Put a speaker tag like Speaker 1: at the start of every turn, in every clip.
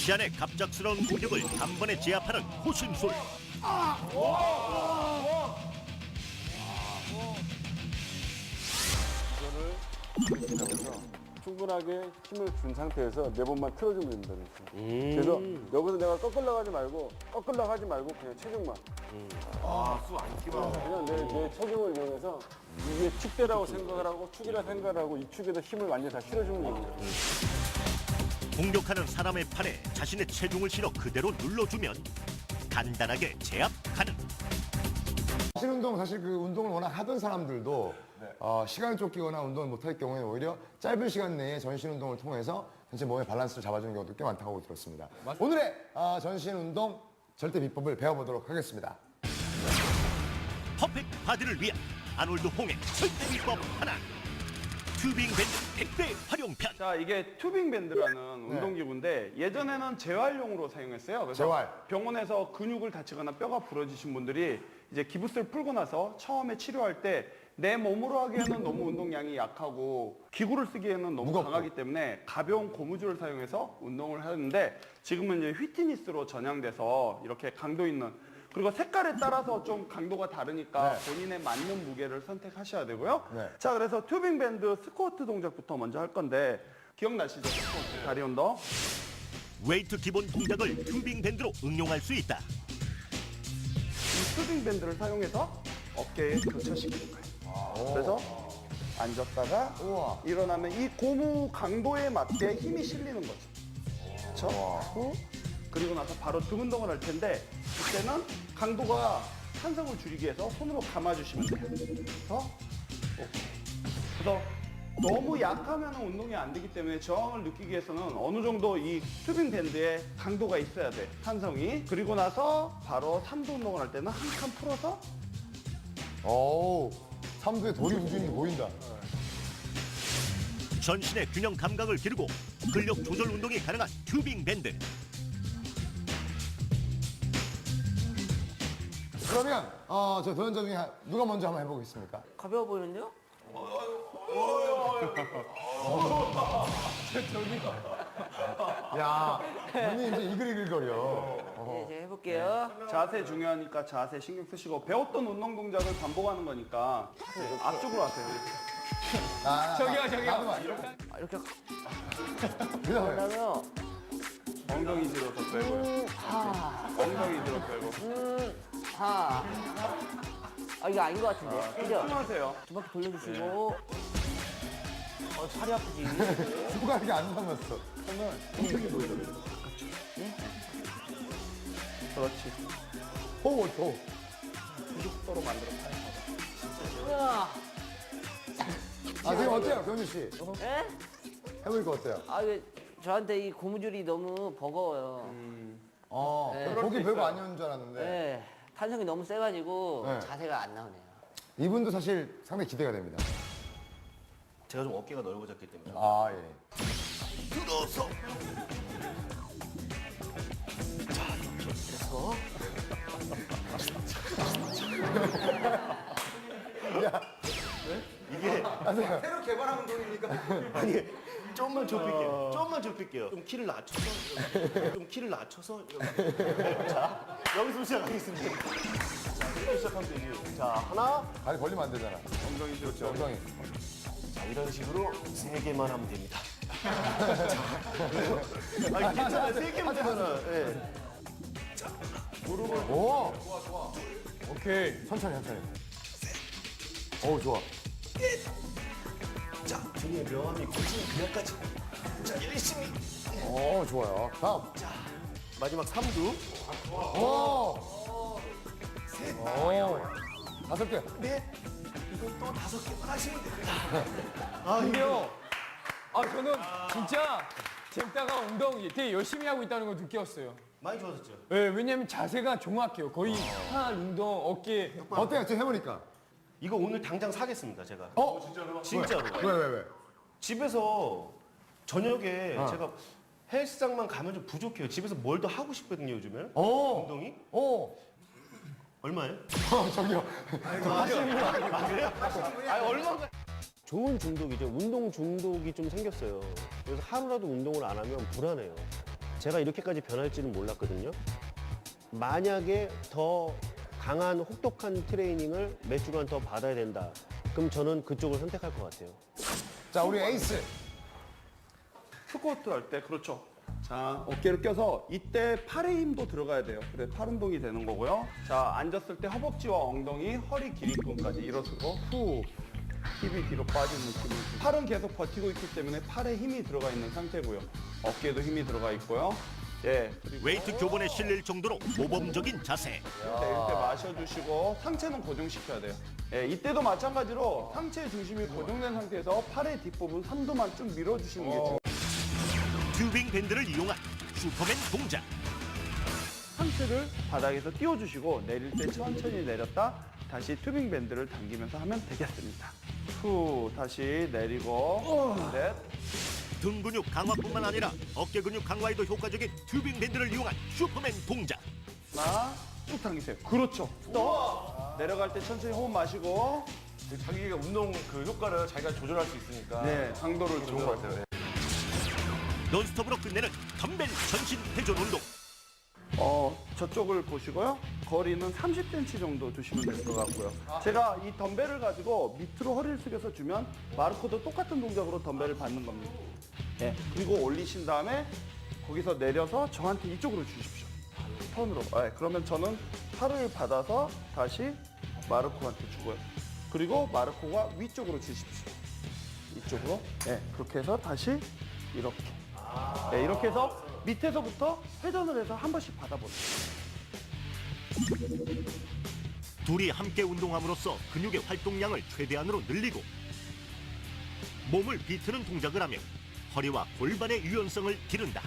Speaker 1: 시안의 갑작스러운 공격을 단번에 제압하는 호신술.
Speaker 2: 이거를 이렇게 잡아서 충분하게 힘을 준 상태에서 네 번만 틀어주면 됩니다. 그래서 여기서 내가 거꾸로 하지 말고 그냥 체중만.
Speaker 3: 수 안 끼면.
Speaker 2: 그냥 내 체중을 이용해서 이게 축대라고 생각을 하고 축이라 생각을 하고 이 축에다 힘을 완전히 다 실어주는 겁니다.
Speaker 1: 공격하는 사람의 팔에 자신의 체중을 실어 그대로 눌러주면 간단하게 제압 가능.
Speaker 4: 전신운동 사실 그 운동을 워낙 하던 사람들도 시간을 쫓기거나 운동을 못할 경우에 오히려 짧은 시간 내에 전신운동을 통해서 전체 몸의 밸런스를 잡아주는 경우도 꽤 많다고 들었습니다. 오늘의 전신운동 절대 비법을 배워보도록 하겠습니다.
Speaker 1: 퍼펙트 바디를 위한 아놀드 홍의 절대 비법 하나. 튜빙 밴드 100배 활용편.
Speaker 5: 자, 이게 튜빙 밴드라는 운동기구인데 예전에는 재활용으로 사용했어요. 그래서
Speaker 4: 재활.
Speaker 5: 병원에서 근육을 다치거나 뼈가 부러지신 분들이 이제 기부스를 풀고 나서 처음에 치료할 때 내 몸으로 하기에는 너무 운동량이 약하고 기구를 쓰기에는 너무
Speaker 4: 무겁고.
Speaker 5: 강하기 때문에 가벼운 고무줄을 사용해서 운동을 하는데 지금은 이제 휘트니스로 전향돼서 이렇게 강도 있는 그리고 색깔에 따라서 좀 강도가 다르니까 본인의 맞는 무게를 선택하셔야 되고요.
Speaker 4: 네.
Speaker 5: 자, 그래서 튜빙 밴드 스쿼트 동작부터 먼저 할 건데 기억나시죠? 스쿼트, 다리 운동.
Speaker 1: 웨이트 기본 동작을 튜빙 밴드로 응용할 수 있다.
Speaker 5: 이 튜빙 밴드를 사용해서 어깨에 교차시키는 거예요. 그래서 앉았다가
Speaker 4: 우와.
Speaker 5: 일어나면 이 고무 강도에 맞게 힘이 실리는 거죠. 그렇죠? 그리고 나서 바로 등 운동을 할 텐데 그때는 강도가 탄성을 줄이기 위해서 손으로 감아주시면 돼요. 그래서 오케이. 그래서 너무 약하면 운동이 안 되기 때문에 저항을 느끼기 위해서는 어느 정도 이 튜빙 밴드에 강도가 있어야 돼. 탄성이. 그리고 나서 바로 삼두 운동을 할 때는 한 칸 풀어서
Speaker 4: 오, 삼두에 돌이 움직이는 게 보인다.
Speaker 1: 전신의 균형 감각을 기르고 근력 조절 운동이 가능한 튜빙 밴드.
Speaker 4: 그러면 저 도전자 중에 누가 먼저 한번 해보겠습니까?
Speaker 6: 가벼워 보이는데요?
Speaker 4: 야, 눈이 이제 이글이글거려.
Speaker 6: 네, 제가 해볼게요.
Speaker 5: 자세 중요하니까 자세 신경 쓰시고 배웠던 운동 동작을 반복하는 거니까 앞쪽으로 하세요. 이렇게.
Speaker 6: 아, 이렇게
Speaker 4: 그다음에
Speaker 6: 하면
Speaker 5: 엉덩이 뒤로 더 빼고요. 엉덩이 뒤로 빼고.
Speaker 6: 하. 아, 이거 아닌 것 같은데. 그죠?
Speaker 5: 숨하세요.
Speaker 6: 두 바퀴 돌려주시고. 팔이 아프지.
Speaker 4: 누가 이렇게 안 남았어.
Speaker 5: 그렇지.
Speaker 4: 오, 더.
Speaker 5: 속도로 만들어 봐요.
Speaker 6: 우와.
Speaker 4: 지금 어때요, 병준 씨?
Speaker 6: 예?
Speaker 4: 해보니까 어때요?
Speaker 6: 아, 이거 저한테 이 고무줄이 너무 버거워요. 네.
Speaker 4: 보기 별거 아니었는 줄 알았는데.
Speaker 6: 네. 탄성이 너무 세가지고
Speaker 4: 네.
Speaker 6: 자세가 안 나오네요.
Speaker 4: 이분도 사실 상당히 기대가 됩니다.
Speaker 3: 제가 좀 어깨가 넓어졌기 때문에.
Speaker 4: 아, 예.
Speaker 1: 들어서
Speaker 3: 아니, 좀만 좁힐게요. 좀만 좁힐게요. 좀 키를 낮춰서. 좀 키를 낮춰서. 자, 여기서 시작하겠습니다. 자, 이렇게 시작하면 되지. 자, 하나.
Speaker 4: 다리 벌리면 안 되잖아.
Speaker 5: 엉덩이 뒤로
Speaker 4: 그렇죠, 엉덩이.
Speaker 3: 자, 이런 식으로 3개만 하면 됩니다. 아니, 괜찮아요. 3개만 되잖아. 예.
Speaker 4: 오! 좋아. 오케이. 천천히. 어우, 좋아.
Speaker 3: 자, 등에 명암이 고치는 그냥까지. 자, 열심히.
Speaker 4: 좋아요. 다음.
Speaker 3: 마지막 3두.
Speaker 4: 오!
Speaker 3: 셋.
Speaker 4: 다섯 개.
Speaker 3: 넷. 이것도 5개만 하시면 됩니다.
Speaker 7: 근데요, 저는 진짜 잼따가 운동 되게 열심히 하고 있다는 걸 느꼈어요.
Speaker 3: 많이 좋아졌죠?
Speaker 7: 네, 왜냐면 자세가 정확해요. 거의 팔 운동, 어깨.
Speaker 4: 어때요? 지금 해보니까.
Speaker 3: 이거 오늘 당장 사겠습니다, 제가.
Speaker 4: 진짜로?
Speaker 3: 진짜로.
Speaker 4: 왜?
Speaker 3: 집에서 저녁에 제가 헬스장만 가면 좀 부족해요. 집에서 뭘 더 하고 싶거든요, 요즘에. 운동이? 얼마예요?
Speaker 4: 저기요.
Speaker 3: 좋은 중독이죠. 운동 중독이 좀 생겼어요. 그래서 하루라도 운동을 안 하면 불안해요. 제가 이렇게까지 변할지는 몰랐거든요. 만약에 더 강한 혹독한 트레이닝을 몇 주간 더 받아야 된다. 그럼 저는 그쪽을 선택할 것 같아요.
Speaker 4: 자, 우리 에이스.
Speaker 5: 스쿼트 할 때 그렇죠. 자, 어깨를 껴서 이때 팔의 힘도 들어가야 돼요. 그래 팔 운동이 되는 거고요. 자, 앉았을 때 허벅지와 엉덩이, 허리 길이끈까지 일어서고 후 힙이 뒤로 빠지는 느낌을 주고 팔은 계속 버티고 있기 때문에 팔에 힘이 들어가 있는 상태고요. 어깨에도 힘이 들어가 있고요. 예, 그리고
Speaker 1: 웨이트 교본에 실릴 정도로 모범적인 자세.
Speaker 5: 이때 마셔주시고 상체는 고정시켜야 돼요. 예, 이때도 마찬가지로 상체 중심이 고정된 상태에서 팔의 뒷부분 삼두만 좀 밀어주시는 게 중요해요.
Speaker 1: 튜빙 밴드를 이용한 슈퍼맨 동작.
Speaker 5: 상체를 바닥에서 띄워주시고 내릴 때 천천히 내렸다 다시 튜빙 밴드를 당기면서 하면 되겠습니다. 후 다시 내리고 넷
Speaker 1: 등 근육 강화뿐만 아니라 어깨 근육 강화에도 효과적인 튜빙 밴드를 이용한 슈퍼맨 동작.
Speaker 5: 하나 쭉 당기세요. 그렇죠. 또 내려갈 때 천천히 호흡 마시고
Speaker 3: 자기가 운동 그 효과를 자기가 조절할 수 있으니까
Speaker 5: 네 강도를
Speaker 3: 좋은 것 같아요.
Speaker 1: 논스톱으로 끝내는 덤벨 전신 회전 운동.
Speaker 5: 저쪽을 보시고요. 거리는 30cm 정도 두시면 될 것 같고요. 제가 이 덤벨을 가지고 밑으로 허리를 숙여서 주면 마르코도 똑같은 동작으로 덤벨을 받는 겁니다. 네, 그리고 올리신 다음에 거기서 내려서 저한테 이쪽으로 주십시오. 턴으로. 네, 그러면 저는 팔을 받아서 다시 마르코한테 주고요. 그리고 마르코가 위쪽으로 주십시오. 이쪽으로. 네, 그렇게 해서 다시 이렇게. 네, 이렇게 해서 밑에서부터 회전을 해서 한 번씩 받아보세요.
Speaker 1: 둘이 함께 운동함으로써 근육의 활동량을 최대한으로 늘리고 몸을 비트는 동작을 하며 허리와 골반의 유연성을 기른다.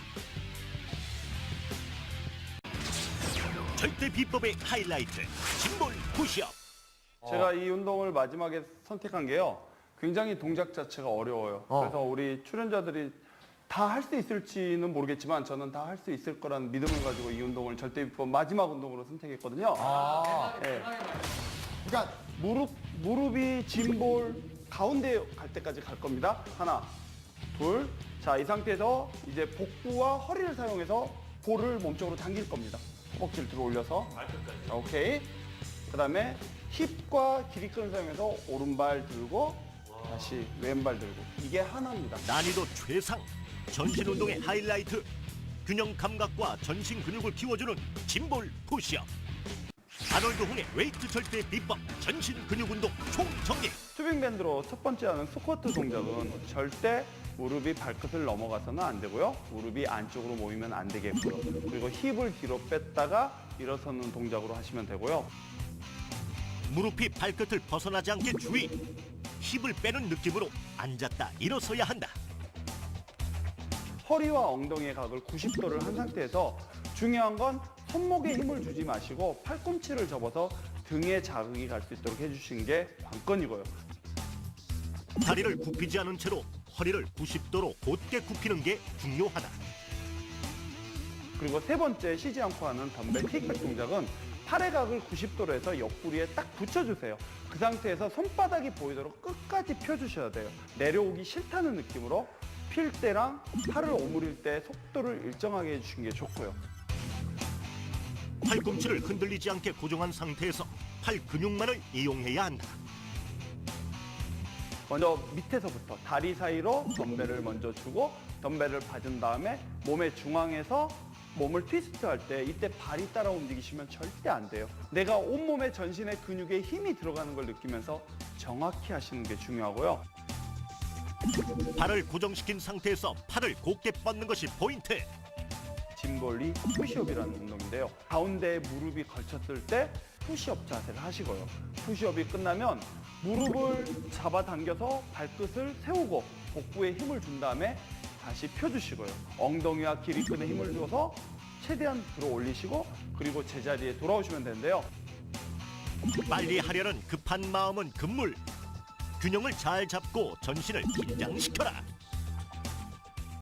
Speaker 1: 절대 비법의 하이라이트, 짐볼 푸시업.
Speaker 5: 제가 이 운동을 마지막에 선택한 게요. 굉장히 동작 자체가 어려워요. 그래서 우리 출연자들이 다 할 수 있을지는 모르겠지만 저는 다 할 수 있을 거라는 믿음을 가지고 이 운동을 절대 비법 마지막 운동으로 선택했거든요. 네.
Speaker 4: 그러니까
Speaker 5: 무릎이 짐볼 가운데 갈 때까지 갈 겁니다. 하나, 둘. 자, 이 상태에서 이제 복부와 허리를 사용해서 볼을 몸쪽으로 당길 겁니다. 허벅지를 들어 올려서. 자, 오케이. 그 다음에 힙과 기립근을 사용해서 오른발 들고 다시 왼발 들고. 이게 하나입니다.
Speaker 1: 난이도 최상, 전신 운동의 하이라이트, 균형 감각과 전신 근육을 키워주는 짐볼 푸시업. 아놀드 홍의 웨이트 절대 비법, 전신 근육 운동 총정리.
Speaker 5: 튜빙 밴드로 첫 번째 하는 스쿼트 동작은 절대 무릎이 발끝을 넘어가서는 안 되고요. 무릎이 안쪽으로 모이면 안 되겠고요. 그리고 힙을 뒤로 뺐다가 일어서는 동작으로 하시면 되고요.
Speaker 1: 무릎이 발끝을 벗어나지 않게 주의. 힙을 빼는 느낌으로 앉았다 일어서야 한다.
Speaker 5: 허리와 엉덩이의 각을 90도를 한 상태에서 중요한 건 손목에 힘을 주지 마시고 팔꿈치를 접어서 등에 자극이 갈 수 있도록 해주시는 게 관건이고요.
Speaker 1: 다리를 굽히지 않은 채로 허리를 90도로 곧게 굽히는 게 중요하다.
Speaker 5: 그리고 세 번째 쉬지 않고 하는 덤벨 킥백 동작은 팔의 각을 90도로 해서 옆구리에 딱 붙여주세요. 그 상태에서 손바닥이 보이도록 끝까지 펴주셔야 돼요. 내려오기 싫다는 느낌으로 필 때랑 팔을 오므릴 때 속도를 일정하게 해주시는 게 좋고요.
Speaker 1: 팔꿈치를 흔들리지 않게 고정한 상태에서 팔 근육만을 이용해야 한다.
Speaker 5: 먼저 밑에서부터 다리 사이로 덤벨을 먼저 주고 덤벨을 받은 다음에 몸의 중앙에서 몸을 트위스트 할 때 이때 발이 따라 움직이시면 절대 안 돼요. 내가 온몸의 전신의 근육에 힘이 들어가는 걸 느끼면서 정확히 하시는 게 중요하고요.
Speaker 1: 발을 고정시킨 상태에서 팔을 곧게 뻗는 것이 포인트.
Speaker 5: 짐볼리 푸시업이라는 운동인데요. 가운데에 무릎이 걸쳤을 때 푸시업 자세를 하시고요. 푸시업이 끝나면 무릎을 잡아당겨서 발끝을 세우고 복부에 힘을 준 다음에 다시 펴주시고요. 엉덩이와 기립근에 힘을 줘서 최대한 들어 올리시고 그리고 제자리에 돌아오시면 되는데요.
Speaker 1: 빨리 하려는 급한 마음은 금물. 균형을 잘 잡고 전신을 긴장시켜라.